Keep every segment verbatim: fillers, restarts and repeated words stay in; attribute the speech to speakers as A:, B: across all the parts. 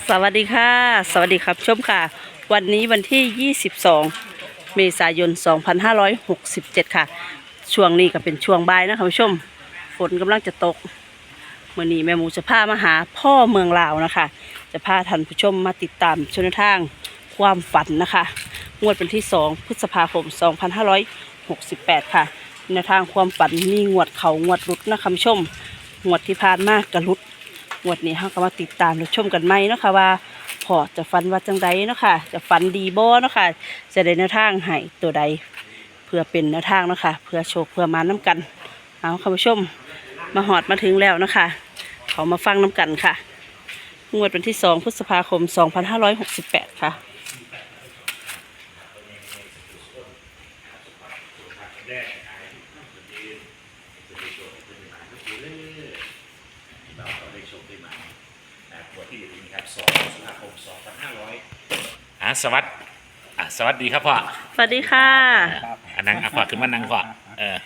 A: สวัสดีค่ะสวัสดีครับชมค่ะวันนี้วันที่ยี่สิบสองเมษายนสองพันห้าร้อยหกสิบเจ็ดค่ะช่วงนี้ก็เป็นช่วงบ่ายนะคะผู้ชมฝนกำลังจะตกมื่อนี้แม่หมูจะพามาหาพ่อเมืองลาวนะคะจะพาท่านผู้ชมมาติดตามชนทางความฝันนะคะงวดเป็นที่สองพฤษภาคมสองพันห้าร้อยหกสิบแปดค่ะแนวทางความฝันมีงวดเขางวดรุดนะคะผู้ชมงวดที่ผ่านมากกระรุดงวดนี้เราก็มาติดตามรับชมกันไหมเนาะค่ะว่าพอจะฝันว่าจังใดเนาะค่ะจะฝันดีบ่เนาะค่ะจะได้แนวทางให้ตัวใดเพื่อเป็นแนวทางเนาะค่ะเพื่อโชคเพื่อมาน้ำกันเอาค่ะผู้ชมมาหอดมาถึงแล้วนะคะเขามาฟังน้ำกันค่ะงวดวันที่สองพฤษภาคมสองพันห้าร้อยหกสิบแปดค่ะ
B: เราก็ได้ชมได้มานะตัวที่อยู่นี้ครับสองพฤษภาคมสองพันห้าร้อยอ่ะสวัสดีอ่ะสวัสดีครับพ่อ
A: สวัสดีค่ะ
B: อ่ะนั่งอ่ะพ่อขึ้นมานั่งพ่อเออ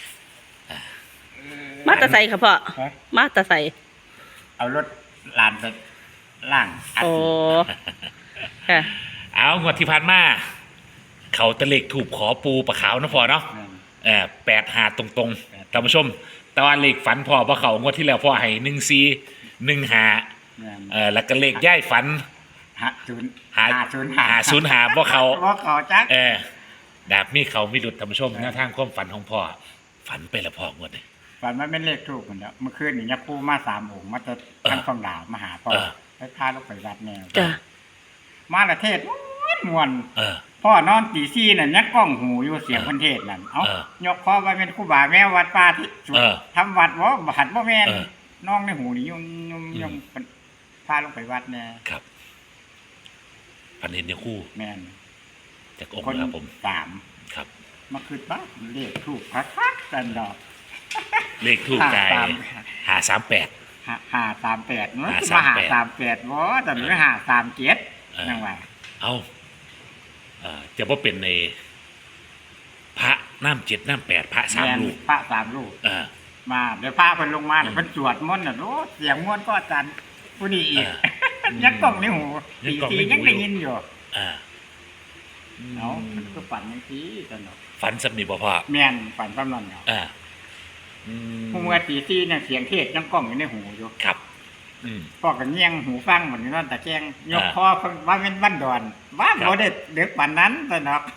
A: มาตาใส่ค่ะพ่อมาตาใส่
C: เอารถลานไปล่าง
A: โอ้ค่ะ
B: เอางวดที่ผ่านมาเขาตะเล็กถูกขอปูปลาขาวนะพ่อเนาะเออแปดหาตรงๆท่านผู้ชมแต่ว่าเลขฝันพ่อเพราะเขางวดที่แล้วพ่อให้หนึ่งซีหนึ่งหาเออแล้วก็เลขย่ายฝัน
C: หาศูนย์
B: หา
C: ศูนย์
B: หาศูนย์หาเพราะเขา
C: เพราะเขาจัก
B: เออแบบมีเขามีดุจท่านผู้ชมแนวทางความฝันของพ่อฝันไปละพ่องวดนี้
C: ฝันมันเป็นเลขถูกหมดแล้วเมื่อคืนนี่ยักษ์คู่มาสามองค์มาจะทั้งสองดาวมาหาพ่อไปพาลูกไปวัดแนวมาละเทศมวนพ่อนอนตีซี่นั่นยักษ์กล้องหูอยู่เสียงคนเทศนั่นเอ้ายกคอไปเป็นครูบาแม่วัดป่าที่ทำวัดวะบัดบ่แม่นน้องในหูนี่ยุ่งยุ่งยุ่งพาลงไปวัดแน่
B: ครับพันเห็นเนี่ยคู่
C: แม่น
B: จากองค์ครับผม
C: สาม
B: ครับ
C: มาคืนบ้าเลขถูกพักพักกันดอก
B: เลขถูกใจหาสามแปด
C: หาสามแปดเนาะมาหาสามแปดวะแต่หรือหาสามเจ็ดนั่งว่า
B: เอาจะว่าเป็นในพระน้ำเจ็ดน้ำแปดพระสามลูก
C: พระสามลูกมาเดี๋ยวพระเพิ่นลงมาเดี๋ยวเพิ่นสวดมนต์น่ะโอ้เสียงมนต์ก็อาจารย์ผู้นี้อีกยักกล้องในหูตีตียังได้ยินอยู่เอาก็ฝันอย่างที่ตลอด
B: ฝันสำนีบ่พ่อ
C: แม่นฝันซ้ำนั่นเนาะผู้เมื่อตีตีเนี่ยเสียงเทศยังกล้องอยู่ในหูอยู่
B: ครับ
C: พ่อก็เงี่ยงหูฟังเหมือนนั่นแต่แจ้งยกคอว่าเป็นบ้านดอนว่าเขาได้เด็กป่านนั้นตลอด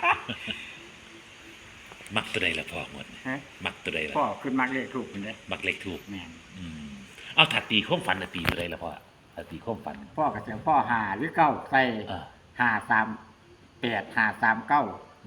B: มักตัวใดละพ่อหมดมักตัวใดละ
C: พ่อขึ้นมักเลขถูกคนเด้
B: มักเลขถูก
C: แม่น
B: เอาถัดตีข้อมฝันตีตัวใดละพ่อถัดตีข้อมฝัน
C: พ่อกับเสียงพ่อหาหรือเก้าใส่หาสามแปดหาสามเก้า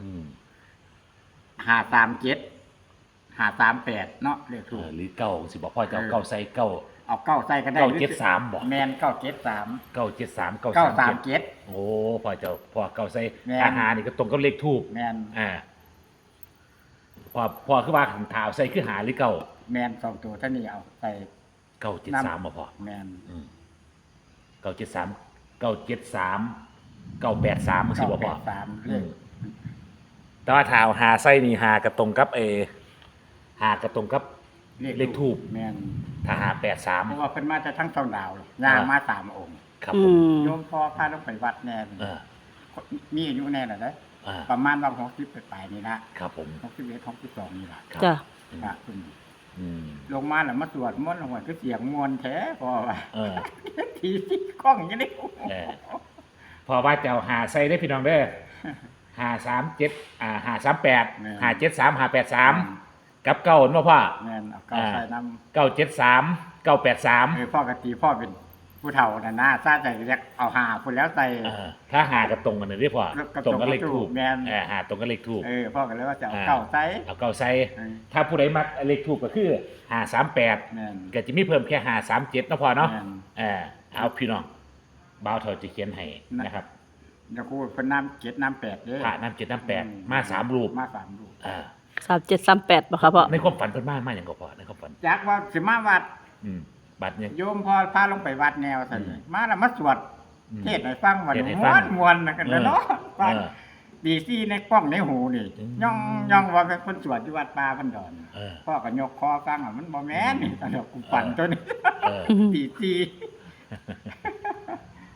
C: หาสามเจ็ดหาสามแปดเนาะเลขถูก
B: หรือเก้าสิบอกพ่อจะเอาเก้าใส่เก้า
C: เอาเก้าใส่กันได้
B: เก้าเจ็ดสามบอก
C: แมนเก้าเจ็ดสาม
B: เก้าเจ็ดสามเก้า
C: สามเจ็ด
B: โอ้พ่อจะพ่อเก้าใส่อาหารนี่ก็ตรงกับเลขทูบ
C: แมน
B: อ่าพอพอคือว่าขันเท้าใส่คือหาหรือเก้า
C: แมนสองตัวท่านี้เอาใส่
B: เก้าเจ็ดสามมาพอ
C: แมน
B: เก้าเจ็ดสามเก้าเจ็ดสามเก้าแปดสามมันสิบอกพ่อ
C: สาม
B: แต่ว่าเท้าหาใส่นี่หากระตรงกับเอหากระตรงกับเลขทูบ
C: แมน
B: ถ้าหาแปดสาม
C: เพราะว่าเพิ่นมาจะทั้งสองดาวงามาสามองค์
B: ครับผม
C: โยมพ่อพาลงไปวัดแน่มีอายุแน่หรอเนี่ยประมาณวันหกสิบไปนี่นะครับ
B: ผม
C: หกสิบเอ็ดหกสิบสองนี่แหละ
A: จ้ะ
C: พระคุณลงมาแล้วมาสวดมนต์ลงมาก็เสียงมวลแท้พอว่าทีที่กล้องยังได้
B: พอว่าจะหาใส่ได้พี่น้องเด้อหาสามเจ็ดอ่าหาสามแปดหาเจ็ดสามหาแปดสามกับเก้าเห็นป่ะพ่อ
C: แม่นเอาเก้าใส่น้
B: ำเก้าเจ็ดสามเก้าแปดสาม
C: เออพ่อกะตีพ่อเป็นผู้เฒ่าน่ะนะซาใจเรียกเอาหาคนแล้วใส่
B: ถ้าหากระตรงกันเลยพ่อตรงกันเลขถูก
C: แม่น
B: เออหาตรงกันเลขถูก
C: เออพ่อก็เลยว่าจะเอาเก้าใส่
B: เอาเก้าใส่ถ้าผู้ใดมักเลขถูกก็คือหาสามแปดก็จะมีเพิ่มแค่หาสามเจ็ดนะพ่อเนาะเออเอาพี่น้องบ่าวเฒ่าจะเขียนให้นะครับ
C: เดี๋ยวกูเป็นน้ำเจ็ดน้ำแปดเด้อ
B: ผ่าน้ำเจ็ดน้ำแปดมาสามรูป
C: มาสามรูป
B: อ่า
A: สามเจ็ดสามแปดป่ะครับพ่อ
B: ในความฝันเพิ่นมามาอย่างก็พอในความฝัน
C: จากว่าสิมาวัด
B: บัดเนี่ย
C: โยมพอพาลงไปวัดแนวสั่นมาแล้วมาสวดเทศให้ฟังวันม้วนมวนกันเนาะฟังดีซี่ในกล้องในหูนี่ย่องย่องว่าเป็นคนสวดที่วัดป่าพันดอนพ่อก็ยกคอฟังอ่ะมันบ่แม่นนี่ตลกกูฝันตัวนี้ดีซี่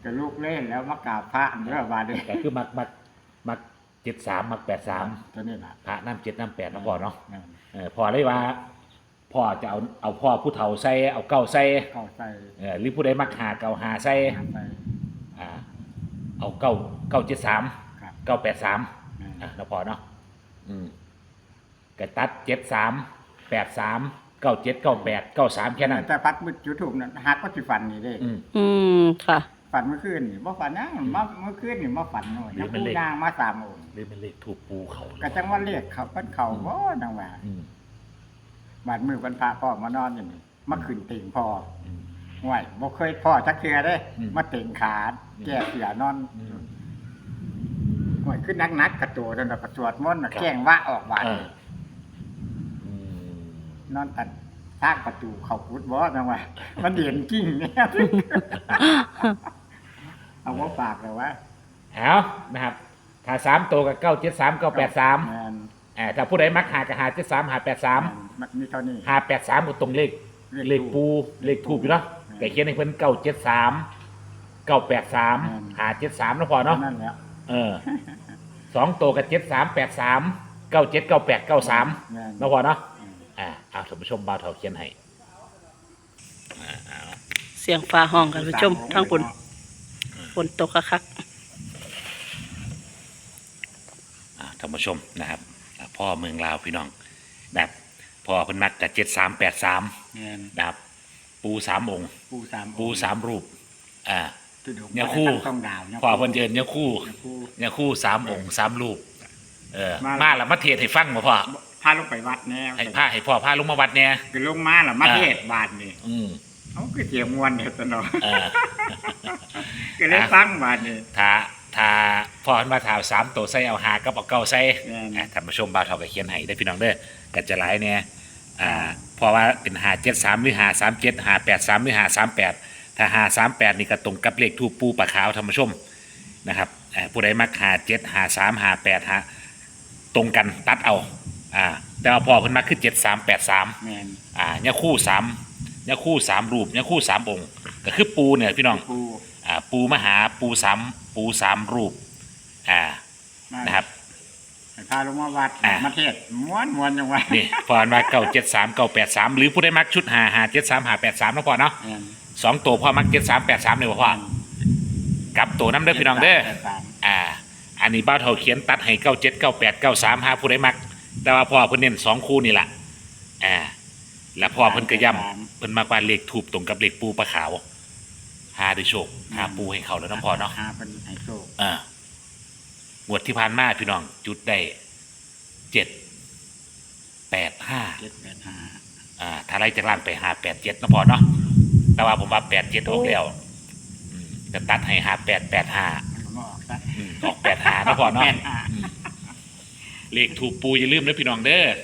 C: ก็ลูกเล่นแล้วมากราบพระเด้อบาดนี้
B: ก็คือมักมักมักเจ็ดสามมักแปดสาม
C: ตัวนี้ล่ะ
B: พระน้ำเจ็ดน้ำแปดนะพ่อเนาะ
C: แม่น
B: เออพ่อเลยว่าพ่อจะเอาเอาพ่อผู้เฒ่าใส่เอาเก้าใส่
C: เข้าใส่
B: เออหรือผู้ใดมักหาเก้าหาใส่
C: หาใส่
B: อ่าเอาเก้าเก้าเจ็ดสาม
C: ครับ
B: เก้าแปดสาม
C: แม่น
B: อ่ะนะพ่อเนาะอืมก็ตัดเจ็ดสามแปดสามเก้าเจ็ดเก้าแปดเก้าสามแค่นั้น
C: แต่พัดมืดจุดถูกนั่นฮักก็สิฝันนี่เด้
B: อืม
A: อืมค่ะ
C: ฝันเมื่อคืนนี่บ่ฝันนะมาเมื่อคืนนี่มาฝันหน่อย
B: หรือ
C: ยัง
B: มัน
C: ปู
B: เลข
C: นางมาสามองค์
B: หรือมันเลขถูกปูเขา
C: ก็จังว่าเรียกเขาเพิ่นเขาบ่จังว่า
B: อืม
C: บาดมือเพิ่นพาพ่อมานอนอยู่นี่มาขึ้นติ่งพ่อ
B: อืม
C: ห่วยบ่เคยพ่อจักเทื่อเด้
B: อืม
C: มาติ่งขาแก้เสียนอน
B: อืม
C: ห่วยขึ้นนักๆกระโตจนแบบกระสวดมนต์น่ะ
B: ครับ
C: แกล้งว่าออกบาด
B: เอ
C: นี่
B: ออืม
C: นอนตัดทางประตูเข้ากุดบ่จังว่า มันเด่นจริงเนี่ย เอาว่าฝากเลยว่า
B: เอานะครับ ถ้าสามตัวกับเก้าเจ็ดสามเก้าแปดสาม
C: แม่น
B: อ่าถ้าผู้ใดมักหากับหาเจ็ดสามหาแปดสาม
C: มันมีเท่านี้
B: หาแปดสามตรงเลข
C: เลข
B: เลขปูเลขถูกอยู่เนาะ
C: อืม
B: แต่เขียนให้เพิ่นเก้าเจ็ดสามเก้าแปดสาม
C: อืม
B: หาเจ็ดสามนะพอเนาะ
C: นั่นแหล้ว
B: เออสองตัวกับเจ็ดสามแปดสามเก้าเจ็ดเก้าแปดเก้าสาม
C: แม่น
B: นะพอเนาะ
C: อืม
B: อ่าเอาท่านผู้ชมบ่าวเถาเขียนให้อ่าเอา
A: เสียงฟ้าห้องกันผู้ชมทั้งฝนฝนตกคัก
B: อ่าท่านผู้ชมนะครับอ่าพ่อเมืองลาวพี่น้องแบบพ่อเพิ่นมักกับเจ็ดสามแปดสาม
C: แม่น
B: นะครับปูสามองค์
C: ปูสาม
B: ปูสามรูปอ่า
C: ตุดง
B: เนี่ยคู่
C: ต้องดาวเนี่ย
B: พ่อเพิ่นเจิญเนี่ยคู่
C: เนี่ยคู่
B: เนี่ยคู่สามองค์สามรูปเออ
C: มา
B: มาแล้วมาเทศให้ฟังบ่พ่อ
C: พาลงไปวัดแน่
B: ให้พาให้พ่อพาลงมาวัดเนี่ย
C: คือลงมาล่ะมาเทศบาทนี่
B: อืม
C: เขาคือเสียงมวนเนี่ยตลอด
B: เออ
C: ก็เลยฟังบาทนี่
B: ถ้าถ้าพ่อเพิ่นมาถามสามตัวใส่เอาหากับเอาเก้าใส่
C: แม่น
B: อ่ะท่านผู้ชมบ่าวเฒ่าก็เขียนให้ได้อพี่น้องเด้อก็จะหลายเนี่ยอ่าเพราะว่าเป็นหาเจ็ดสามหรือหาสามเจ็ดหาแปดสามหรือหาสามแปดถ้าหาสามแปดนี่ก็ตรงกับเลขทูปปูปะขาวท่านผู้ชมนะครับอ่าผู้ใดมักหาเจ็ดหาสามหาแปดหาตรงกันตัดเอาอ่าแต่ว่าพ่อเพิ่นมักคือเจ็ดสามแปดสาม
C: แม่น
B: อ่าเนี่ยคู่สามเนี่ยคู่สามรูปเนี่ยคู่สามองค์ก็คือปูเนี่ยพี่น้อง
C: ปู
B: อ่าปูมหาปูสามปูสามรูปอ่า
C: มา
B: นะครับ
C: ให้พาลงมาวัด
B: อ่ะ
C: มาเทศม้วนม้วนจังว่า
B: นี่พอมาเก้าเจ็ดสามเก้าแปดสามหรือผู้ได้มักชุดหาหาเจ็ดสามหาแปดสามนะพ่อเนาะ
C: แม่น
B: สองตัวพ่อมักเจ็ดสามแปดสามเลยพ่อกลับตัวน้ำเด้อพี่น้องเด้อ
C: แปดสาม
B: อ่า อันนี้บ้าวเท่าเขียนตัดให้เก้าเจ็ดเก้าแปดเก้าสามหาผู้ได้มัก แต่ว่าพ่อเพิ่นเน้นสองคู่นี่แหละอ่าแล้วพ่อเพิ่นก็ย้ำเพิ่นมากว่าเลขถูกตรงกับเลขปูปลาขาวหาได้โชคหาปูให้เขาแล้วน้ำพ่อเนาะ
C: หาเป็นไฮโซ
B: อ่าหวดที่ผ่านมาพี่น้องจุดได้เจ็ดแปดห้า
C: เจ็ดแปดห้า
B: อ่าถ้าไล่จากล่างไปหาแปดเจ็ดนะพอเนาะแต่ว่าผมว่าแปดเจ็ดออกแล้วอืมจะตัดให้หาแปดแปดห้า
C: มันก็มาออกซะ
B: ออกแปดหานะพอเนาะ
C: แปดห้า
B: อืมเลขถูกปูอย่าลืมนะพี่น้องเด้อย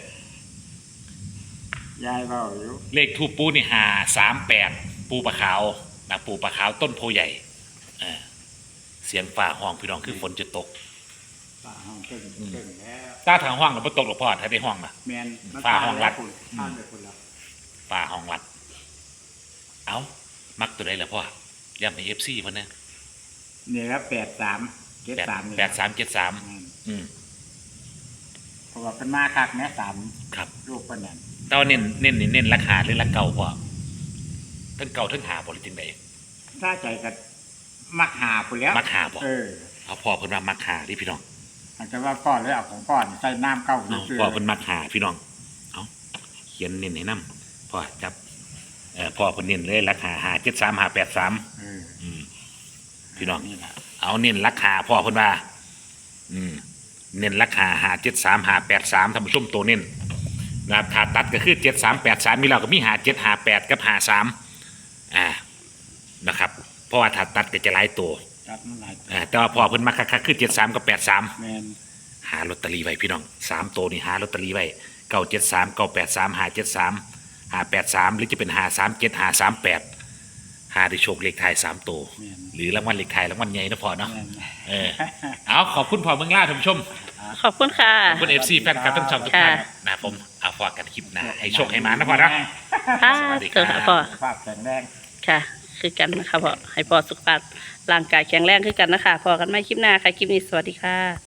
C: ายเบาอยู่
B: เลขถูกปูนี่หาสามแปดปูปลาขาวนะปูปลาขาวต้นโพใหญ่เออเสียงฝ่าห้องพี่น้องคือฝนจะตก
C: ฝ่าห้องเก่งเก่งแล้ว
B: ถ้าทางห้องเราไม่ตกหรอกพ่อถ้าได้ห้องนะ
C: แมนมัน
B: ฝ่าห้องรัด
C: คุณข้ามไปคุณแล้ว
B: ฝ่าห้องวัด เอามักตัวใดล่ะพ่อย่ำให้เอฟซีพ่อเนี่ย
C: นี่ครับแปดสามเจ็ด
B: แปด
C: สามนี่
B: แปดสามเจ็ดสาม
C: อืม
B: อืม
C: เพราะว่าเป็นมาคักแม่สาม
B: ครับ
C: ลูกเป็นเนี่ย
B: แต่ว่าเน้นเน้นนี่เน้นราคาหรือราคาเก่าพ่อทั้งเก่าทั้งหาบ่หรือจังใด
C: ถ้าใจกับมักหาคุณแล้ว
B: มักหาบ่
C: เออ
B: เอาพ่อเพิ่นว่ามักหาดิพี่น้อง
C: อาจจะว่าพ่อเลยเอาของพ่อใส่น้ำเก้า
B: เอา
C: ซื่อ
B: พ่อเพิ่นมักหาพี่น้อง เอาเขียนเน้นให้นํพ่อจับเอ่อพ่อเพิ่นเน้นเลยราคาหาเจ็ดสามหาแปดสาม
C: เออ
B: อืมพี่น้อง
C: นี่แหละ
B: เอาเน้นราคาพ่อเพิ่นว่า อืม เน้นราคาหาเจ็ดสามหาแปดสามท่านผู้ชมตัวเน้นนะครับถ้าตัดก็คือเจ็ดสามแปดสามมีเราก็มีหาเจ็ดหาแปดกับหาสามอ่านะครับ เพราะว่าถ้าตัดก็จะหลายตัว
C: จัดมันหลายตัว
B: อ่าแต่ว่าพอเพิ่นมาคักๆคือเจ็ดสามกับแปดสาม
C: แมน
B: หาลอตเตอรี่ไว้พี่น้องสามตัวนี่หาลอตเตอรี่ไว้เก้าเจ็ดสามเก้าแปดสามหาเจ็ดสามหาแปดสามหรือจะเป็นหาสามเจ็ดหาสามแปดหาได้โชคเลขท้ายสามตัว
C: แมน
B: หรือรางวัลเลขท้ายรางวัลใหญ่นะพอเนาะ
C: แมน
B: เออเอาขอบคุณพอเมืองล่าท่านผู้ชม
A: ขอบคุณค่ะ
B: ขอบคุณเอฟซีแฟนคลับทั้งช่องทุกท่าน
A: ค่ะ
B: นะครับผมเอาพอกันคลิปหนะให้โชคให้มานะพอนะ
A: ค่ะ
B: สวัสดีค
A: เกิ
B: รั
A: ด
B: บ
A: พ่อ
C: ภาพแข็งแรง
A: ค่ะคือกันนะคะพ่อให้พ่อสุขภาพร่างกายแข็งแรงคือกันนะคะพอกันไม่คลิปหน้าค่ะคลิปนี้สวัสดีค่ะ